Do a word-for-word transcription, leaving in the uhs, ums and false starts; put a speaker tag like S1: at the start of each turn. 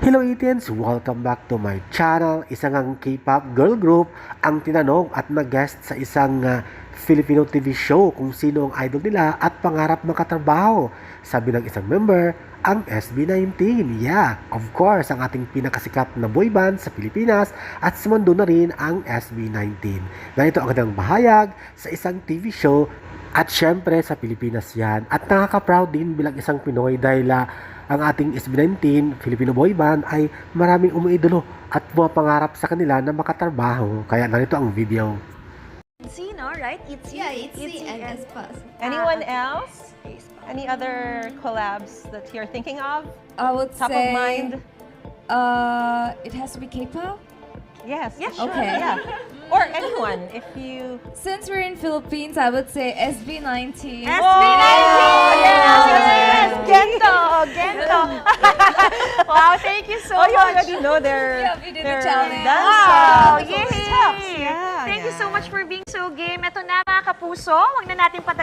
S1: Hello Itins! Welcome back to my channel. Isang ang K-pop girl group ang tinanong at nag-guest sa isang uh, Filipino T V show kung sino ang idol nila at pangarap makatrabaho. Sabi ng isang member, ang S B nineteen. Yeah, of course, ang ating pinakasikat na boy band sa Pilipinas at sa mundo na rin ang S B nineteen. Ganito ang kanilang bahayag sa isang T V show at syempre sa Pilipinas yan. At nakaka-proud din bilang isang Pinoy dahil uh, ang ating S B nineteen, Filipino boy band, ay maraming umiidolo at pangarap sa kanila na makatrabaho. Kaya narito ang video.
S2: Itzy, no? Right? Itzy,
S3: Yeah, Itzy and Aespa.
S4: Anyone
S2: Ah,
S4: else? Any other collabs that you're thinking of?
S3: I would
S4: Top
S3: say,
S4: of mind?
S3: Uh, it has to be K-pop.
S4: Yes.
S2: Yeah, sure.
S3: Okay.
S4: Yeah. Or anyone, if you...
S3: Since we're in Philippines, I would say S B nineteen.
S2: S B nineteen! Yes, yes, Gento! Gento! Wow, thank you so
S4: Oh, you
S2: much.
S4: already know their...
S3: Yeah, we did the
S4: their
S3: challenge.
S4: dance
S2: Wow!
S4: steps.
S2: Yay!
S4: Steps, yeah,
S2: Thank you
S4: yeah.
S2: so much for being so game. Ito na mga kapuso, huwag na natin patagalin.